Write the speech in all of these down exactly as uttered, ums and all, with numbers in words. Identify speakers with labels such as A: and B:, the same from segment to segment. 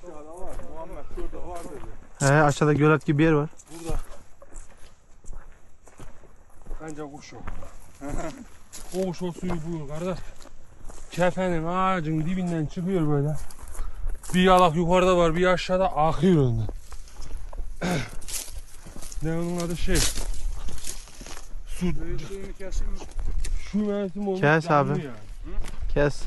A: Aşağıda var. Muhammed şurada var dedi.
B: He, aşağıda gölet gibi bir yer var.
C: Burada. Bence kuş o. O kuş o suyu buyur kardeş. Kefenin ağacın dibinden çıkıyor böyle. Bir yalak yukarıda var, bir aşağıda akıyor önden. Ne onun adı şey? Su.
A: Suyunu keseyim mi?
C: Şu mevsim olmuş.
B: Kes
C: canlı
B: abi.
C: Yani.
B: Kes.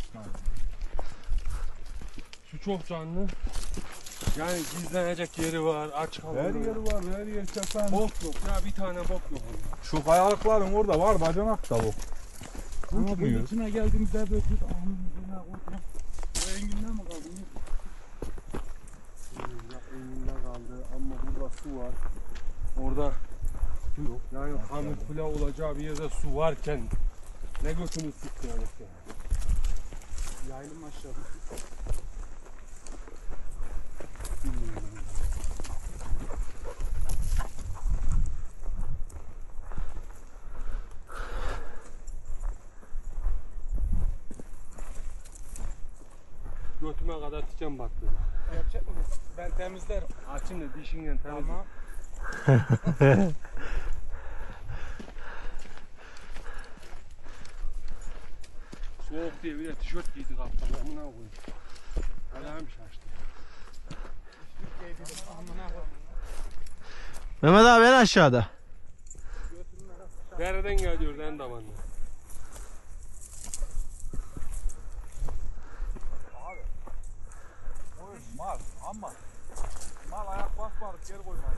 C: Su çok canlı. Yani gizlenecek yeri var, aç kalıyor.
A: Her yeri var, her yer kefen.
C: Bok yok ya, bir tane bok yok orada.
A: Şu kayalıkların orada var, bacanak da bu. Ne yapmıyor?
D: İçine geldiğimizde böyle bir ahımın üzerine koydum. O enginden mi kaldı?
C: Ya önünde kaldı ama burada su var. Orada su yok. Yani kamufle olacağı bir yerde su varken ne götünü sıkıyorduk yani.
D: Yaylım aşağıda.
C: Götüme kadar tiken battı.
D: Yapacak mısın? Ben temizlerim.
C: Açın da dişinle temizle.
D: Tamam.
C: Soğuk diye bir de tişört giydi kaptan. Amına koyayım. Ayağım şaştı.
B: Mehmet abi en aşağıda.
C: Nereden geliyor lan damanla?
A: Mal ama mal ayak basmadık geri koymadık.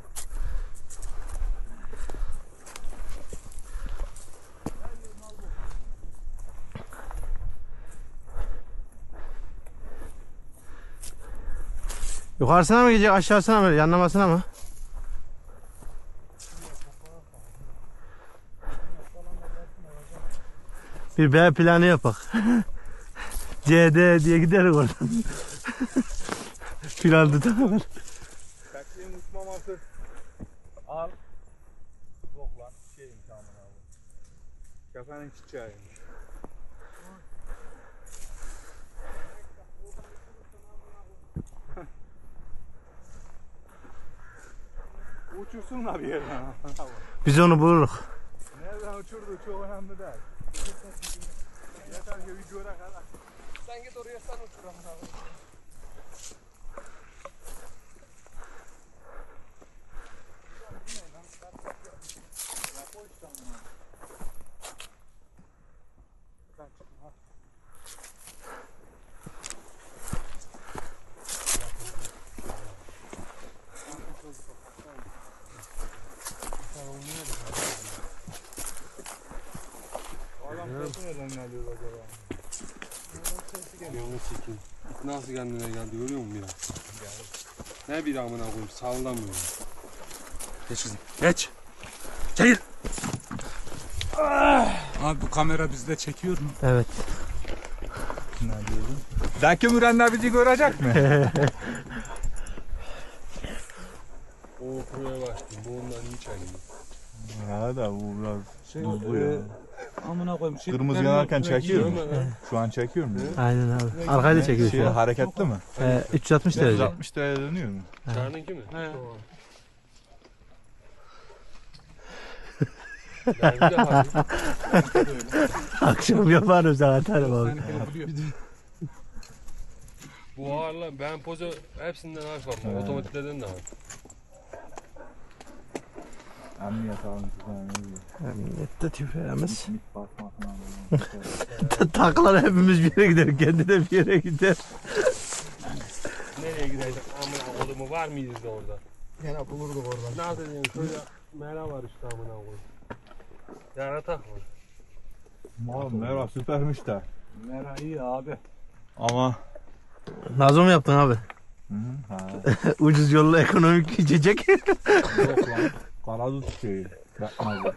B: Yukarısına mı gidecek, aşağısına mı, yanlamasına mı? Bir B planı yapak. C D diye gideriz oradan. Plan tutamıyor.
A: Tekliğin uçmaması. Al. Yok lan şeyim tamam abi. Kefenin çiçeğiymiş. Uçursunlar bir yerden.
B: Biz onu buluruz.
A: Nereden uçurdu çok önemli değil. Yeter ki bir göre kadar.
D: Sen git oraya sen uçur amına.
A: Adam sesi nereden geliyor acaba?
C: Yolunu çekeyim. Nasıl kendine geldi görüyor musun biraz? Ne bir amına koyayım sallamıyor. Geç kızım. Geç. Çekil.
D: Abi bu kamera bizde çekiyor mu?
B: Evet.
A: Ne diyorsun? Zeki Mürenler bizi görecek mi?
C: O kuruya başladım. Bu ondan hiç ayrılmıyor.
A: Ya da bu biraz
D: Şey,
A: buzlu
D: e,
A: ya.
D: amına koyayım. Şey,
A: Kırmızı
D: ben-
A: yanarken çekiyor mu?
C: Görme lan.
A: Şu an çekiyor mu?
B: Aynen abi. Arkayı da çekiyor
A: Şey,
B: şu an.
A: hareketli mi?
B: Ee, üç yüz altmış derece.
A: yüz altmış derece dönüyor mu?
C: Çağrı'nınki mi?
D: He.
C: Ben bir daha.
B: Akşam yaparım sana atarım abi.
D: Seninkini biliyor.
C: Bu ağırla ben poza hepsinden harf var.
A: He.
C: Otomatiklerden de var.
A: Emniyet alın sizden.
B: Emniyette tüfeğimiz.
A: Mit basmasına.
B: Taklar hepimiz bir yere gider. Kendi de bir yere gider.
C: Nereye gidecek? Amına kodumu var mıyız da orada?
D: Gene bulurduk oradan.
C: Ne diyeyim şöyle mera var işte amına koyayım. Yaratak var.
A: Oğlum merhaba süpermiş de.
D: Mera iyi abi.
A: Ama
B: Nazo mu yaptın abi?
A: Hı hı, ha.
B: Ucuz yolla ekonomik içecek.
A: Yok lan. Karadut şeyi. Yapmaz.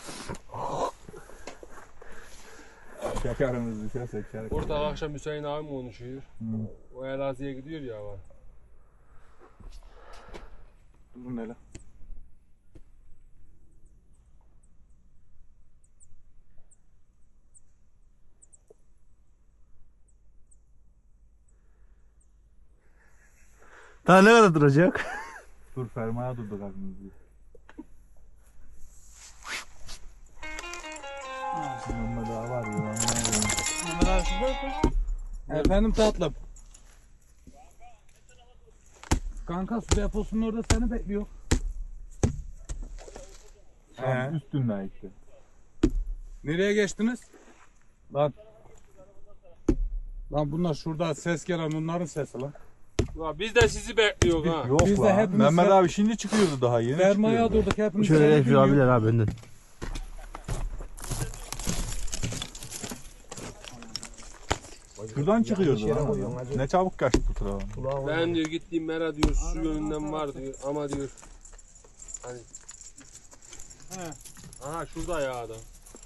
A: Şekerimiz düşerse şeker.
C: Orta akşam Hüseyin abi mi konuşuyor?
A: Hı.
C: O Elazığ'a gidiyor ya var.
A: Dur ne lan?
B: Daha ne kadar duracak?
A: Dur fermaya durduk aklımızı. Mehmet daha var ya.
D: Mehmet abi şurada. Efendim tatlım. Kanka su deposunun orada seni bekliyor.
A: Tam üstünden gitti.
D: Nereye geçtiniz? Lan. Lan bunlar şurada ses gelen onların sesi lan.
C: Ya biz de sizi bekliyoruz ha.
A: Yok
D: Biz de
A: lan.
D: hepimiz
A: Mehmet
D: fer-
A: abi şimdi çıkıyordu daha yeni
D: Fermaya
A: çıkıyordu.
D: durduk hepimiz.
B: Şöyle
D: seni
B: şu
D: dinliyor.
B: abiler abi önden.
A: Şuradan çıkıyordu lan. Ne çabuk kaçtı bu tarafa.
C: Ben diyor gittiğim mera diyor su yönünden var diyor ama diyor. Hani.
D: He.
C: Aha şurada ya adam.